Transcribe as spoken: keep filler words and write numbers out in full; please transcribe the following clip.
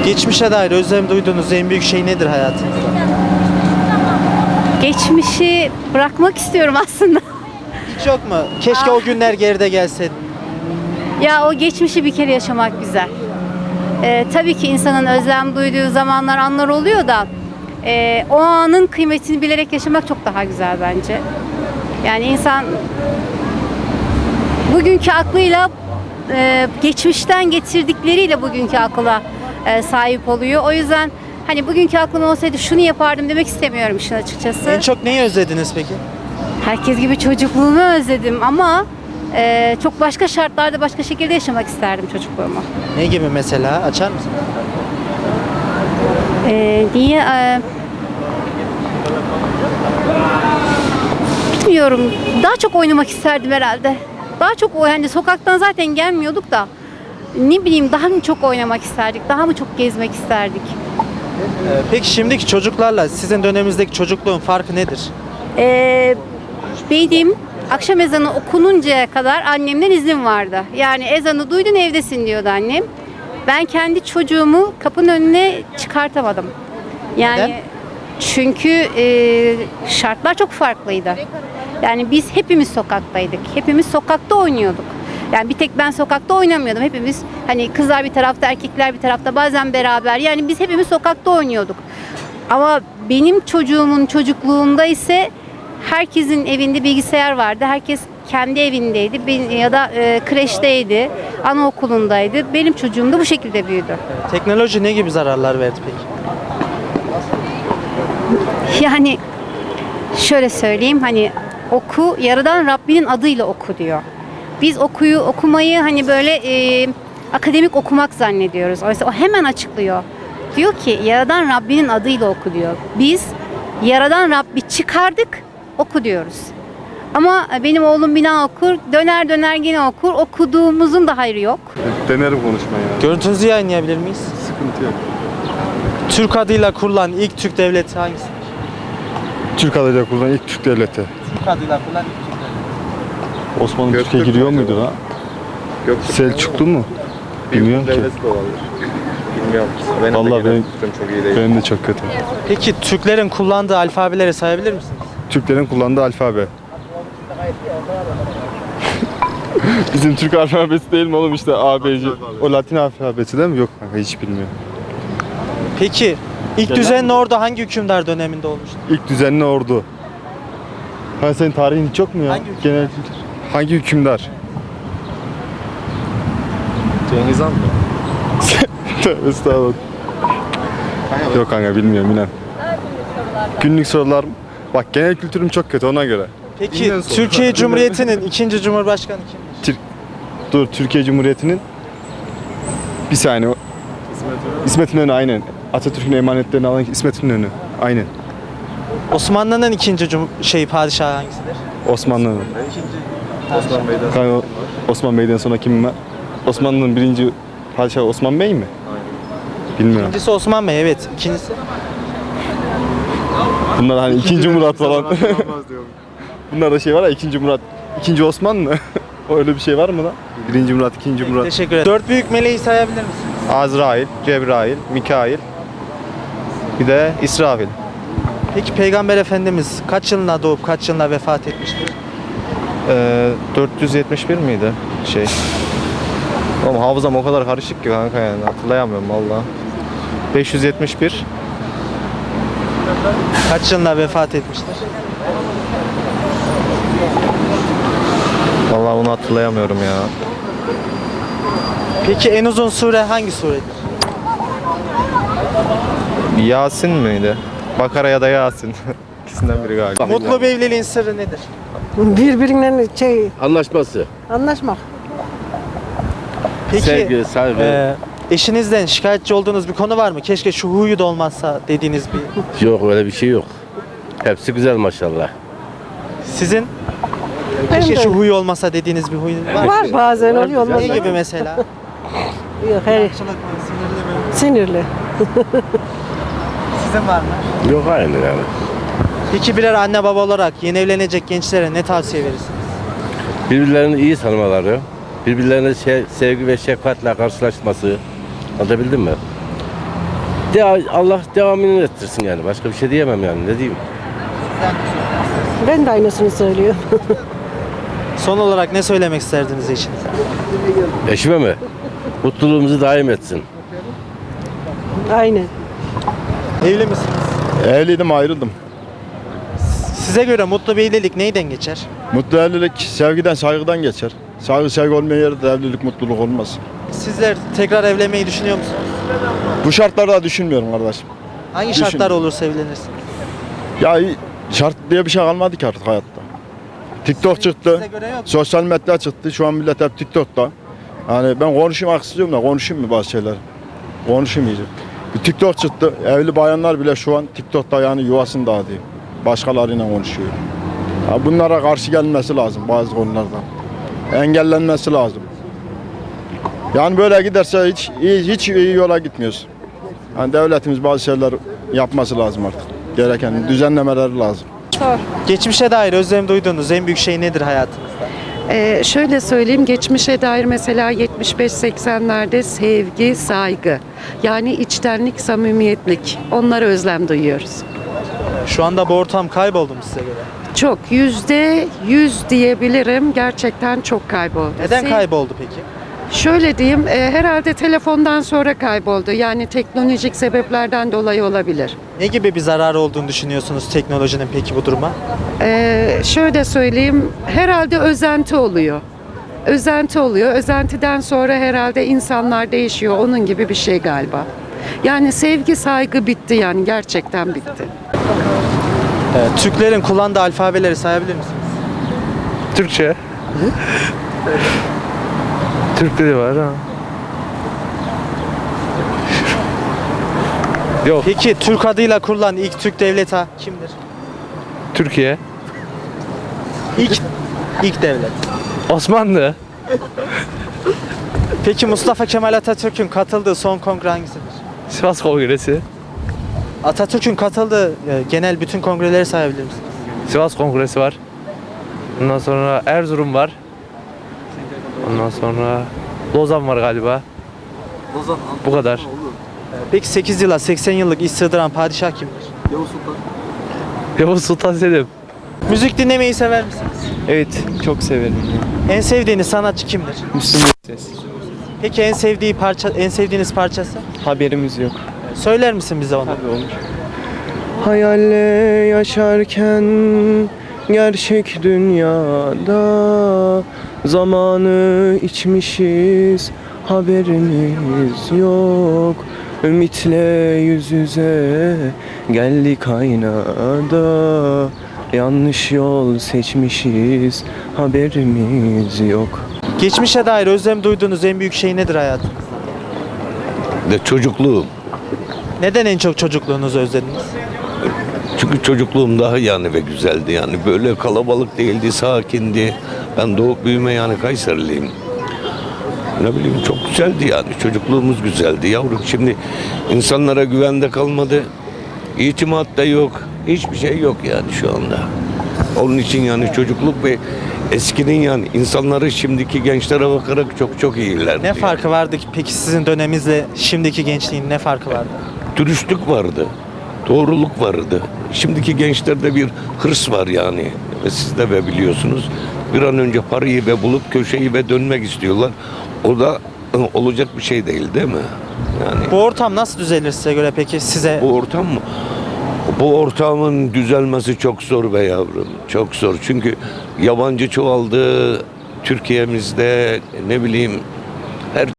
Geçmişe dair özlem duyduğunuz en büyük şey nedir hayatınızda? Geçmişi bırakmak istiyorum aslında. Hiç yok mu? Keşke o günler geride gelseydi. Ya o geçmişi bir kere yaşamak güzel. Ee, tabii ki insanın özlem duyduğu zamanlar, anlar oluyor da e, o anın kıymetini bilerek yaşamak çok daha güzel bence. Yani insan bugünkü aklıyla e, geçmişten getirdikleriyle bugünkü akla e, sahip oluyor. O yüzden hani bugünkü aklım olsaydı şunu yapardım demek istemiyorum işin açıkçası. En çok neyi özlediniz peki? Herkes gibi çocukluğumu özledim ama e, çok başka şartlarda başka şekilde yaşamak isterdim çocukluğumu. Ne gibi mesela? Açar mısın? E, niye? E, bilmiyorum. Daha çok oynamak isterdim herhalde. Daha çok o yani sokaktan zaten gelmiyorduk da ne bileyim daha mı çok oynamak isterdik, daha mı çok gezmek isterdik. Ee, peki şimdiki çocuklarla sizin döneminizdeki çocukluğun farkı nedir? Ee, Benim akşam ezanı okununcaya kadar annemden izin vardı. Yani ezanı duydun evdesin diyordu annem. Ben kendi çocuğumu kapının önüne çıkartamadım. Yani Neden? çünkü e, şartlar çok farklıydı. Yani biz hepimiz sokaktaydık. Hepimiz sokakta oynuyorduk. Yani bir tek ben sokakta oynamıyordum. Hepimiz hani kızlar bir tarafta, erkekler bir tarafta, bazen beraber. Yani biz hepimiz sokakta oynuyorduk. Ama benim çocuğumun çocukluğunda ise herkesin evinde bilgisayar vardı. Herkes kendi evindeydi Ben- ya da e, kreşteydi, anaokulundaydı. Benim çocuğum da bu şekilde büyüdü. Teknoloji ne gibi zararlar verdi peki? Yani şöyle söyleyeyim, hani oku, yaradan Rabbinin adıyla oku diyor. Biz okuyu okumayı hani böyle e, akademik okumak zannediyoruz. Oysa o hemen açıklıyor. Diyor ki yaradan Rabbinin adıyla oku diyor. Biz yaradan Rabbi çıkardık, oku diyoruz. Ama benim oğlum bina okur, döner döner yine okur. Okuduğumuzun da hayrı yok. Denerim konuşmayı ya. Görüntünüzü yayınlayabilir miyiz? Sıkıntı yok. Türk adıyla kurulan ilk Türk devleti hangisi? Türk adıyla kurulan ilk Türk devleti. Türk adıyla kurulan ilk Türk devleti. Osmanlı Göktürk Türkiye giriyor mü muydu acaba? lan? Göktürk Selçuklu mu? Bilmiyorum ki. devleti de olabilir. Bilmiyorum. Benim Vallahi de genel benim- kültürüm çok iyi değil. Benim de çok kötü. Peki Türklerin kullandığı alfabeleri sayabilir misiniz? Türklerin kullandığı alfabe. Bizim Türk alfabesi değil mi oğlum işte A, B, C. O Latin alfabesi değil mi? Yok kanka hiç bilmiyorum. Peki ilk Genel düzenli ordu hangi hükümdar döneminde olmuştu? İlk düzenli ordu. Ha senin tarihin hiç yok mu ya? Hangi hükümdar? Genel kültür. Hangi hükümdar? Cengiz Han mı? Tövbe estağfurullah. Yok kanka bilmiyorum inan. Günlük sorular. Bak genel kültürüm çok kötü ona göre. Peki Dinlen sonra. Türkiye Cumhuriyeti'nin ikinci cumhurbaşkanı kimdir? Tür- Dur Türkiye Cumhuriyeti'nin bir saniye. o- İsmet İnönü aynen. Atatürk'ün emanetlerini alan İsmet İnönü. Aynen. Osmanlı'nın ikinci cum şey padişahı hangisidir? Osmanlı'nın. Osman Bey'den Kanka, o- Osman Bey'den sonra kim var? Osmanlı'nın birinci padişahı Osman Bey mi? Bilmiyorum. İkincisi Osman Bey, evet. İkincisi Bunlar hani ikinci Murat falan. Bunlar da şey var ya ikinci Murat. İkinci Osman mı? O öyle bir şey var mı lan? Birinci Murat, ikinci Murat. teşekkür ederim. Dört büyük meleği sayabilir misiniz? Azrail, Cebrail, Mikail, bir de İsrafil. Peki Peygamber Efendimiz kaç yılında doğup kaç yılında vefat etmiştir? Ee, dört yüz yetmiş bir miydi şey? Oğlum hafızam o kadar karışık ki kanka yani hatırlayamıyorum valla. beş yüz yetmiş bir. Kaç yılında vefat etmiştir? Valla onu hatırlayamıyorum ya. Peki en uzun sure hangi suredir? Yasin miydi? Bakara ya da Yasin. İkisinden biri galiba. Mutlu bir evliliğin sırrı nedir? Birbirinden şey Anlaşması, anlaşmak. Peki sevgi, saygı. e, eşinizden şikayetçi olduğunuz bir konu var mı? Keşke şu huyu da olmazsa dediğiniz bir. Yok öyle bir şey yok. Hepsi güzel maşallah. Sizin Benim keşke de şu huyu olmasa dediğiniz bir huy var mı? var bazen oluyor olmaz. Ne gibi mesela? Yok hayır. Sinirli. Sizin var mı? Yok aynı yani. Peki birer anne baba olarak yeni evlenecek gençlere ne tavsiye verirsiniz? Birbirlerini iyi tanımaları, birbirlerine şey, sevgi ve şefkatle karşılaşması. Anlatabildim mi? De Allah devamını ettirsin yani. Başka bir şey diyemem yani. Ne diyeyim? Ben de aynısını söylüyorum. Son olarak ne söylemek isterdiniz eşinize? Eşime mi? Mutluluğumuzu daim etsin. Aynen. Evli misiniz? Evliydim, ayrıldım. Size göre mutlu bir evlilik neyden geçer? Mutlu evlilik sevgiden, saygıdan geçer. Saygı, sevgi olmayan yerde evlilik, mutluluk olmaz. Sizler tekrar evlenmeyi düşünüyor musunuz? Bu şartlarda düşünmüyorum kardeşim. Hangi Düşün. şartlar olursa evlenirsiniz? Ya şart diye bir şey kalmadı ki artık hayatta. TikTok çıktı, Size göre yok. sosyal medya çıktı. Şu an millet hep TikTok'ta. Yani ben konuşayım istiyorum da konuşayım mı bazı şeyler? Konuşamayacağım. Bir TikTok çıktı. Evli bayanlar bile şu an TikTok'ta yani yuvasını dağıtıyor. Başkalarıyla konuşuyor. Ya bunlara karşı gelmesi lazım bazı konularda. Engellenmesi lazım. Yani böyle giderse hiç iyi, hiç iyi yola gitmiyoruz. Yani devletimiz bazı şeyler yapması lazım artık. Gereken düzenlemeleri lazım. Geçmişe dair özlem duyduğunuz en büyük şey nedir hayatınızda? Ee, şöyle söyleyeyim, geçmişe dair mesela yetmiş beş seksenlerde sevgi, saygı, yani içtenlik, samimiyetlik, onlara özlem duyuyoruz. Şu anda bu ortam kayboldu mu size göre? Çok, yüzde yüz diyebilirim, gerçekten çok kayboldu. Neden Sev- kayboldu peki? Şöyle diyeyim, e, herhalde telefondan sonra kayboldu, yani teknolojik sebeplerden dolayı olabilir. Ne gibi bir zararı olduğunu düşünüyorsunuz teknolojinin peki bu duruma? Ee, şöyle söyleyeyim, herhalde özenti oluyor. Özenti oluyor. Özentiden sonra herhalde insanlar değişiyor. Onun gibi bir şey galiba. Yani sevgi, saygı bitti yani gerçekten bitti. Evet, Türklerin kullandığı alfabeleri sayabilir misiniz? Türkçe. Türk dili var ha. Yok, Peki Türk adıyla kurulan ilk Türk devleti ha- kimdir? Türkiye. İlk ilk devlet. Osmanlı. Peki Mustafa Kemal Atatürk'ün katıldığı son kongre hangisidir? Sivas Kongresi. Atatürk'ün katıldığı e, genel bütün kongreleri sayabilir misiniz? Sivas Kongresi var. Ondan sonra Erzurum var. Ondan sonra Lozan var galiba. Bu kadar. Peki sekiz yıla seksen yıllık iş sığdıran padişah kimdir? Yavuz Sultan Selim. Müzik dinlemeyi sever misiniz? Evet, çok severim. En sevdiğiniz sanatçı kimdir? Müslüm Gürses. Peki en sevdiği parça, en sevdiğiniz parçası? Haberimiz yok. Söyler misin bize onu? Tabii olur. Hayalle yaşarken gerçek dünyada zamanı içmişiz, haberimiz yok. Ümitle yüz yüze geldik aynada. Yanlış yol seçmişiz, haberimiz yok. Geçmişe dair özlem duyduğunuz en büyük şey nedir hayatınızda? De çocukluğum. Neden en çok çocukluğunuzu özlediniz? Çünkü çocukluğum daha yani ve güzeldi yani. Böyle kalabalık değildi, sakindi. Ben doğup büyüme yani Kayseriliyim. Ne bileyim çok güzeldi yani. Çocukluğumuz güzeldi yavrum. Şimdi insanlara güvende kalmadı. İtimat da yok. Hiçbir şey yok yani şu anda. Onun için yani çocukluk ve eskinin yani insanları şimdiki gençlere bakarak çok çok iyiler. Ne farkı vardı ki peki sizin döneminizle şimdiki gençliğin ne farkı vardı? Dürüstlük vardı. Doğruluk vardı. Şimdiki gençlerde bir hırs var yani. Ve siz de ve biliyorsunuz. Bir an önce parayı ve bulup köşeyi ve dönmek istiyorlar. O da ı, olacak bir şey değil değil mi? Yani Bu ortam nasıl düzelir size göre peki size? bu ortam mı? Bu ortamın düzelmesi çok zor be yavrum. Çok zor. Çünkü yabancı çoğaldı. Türkiye'mizde ne bileyim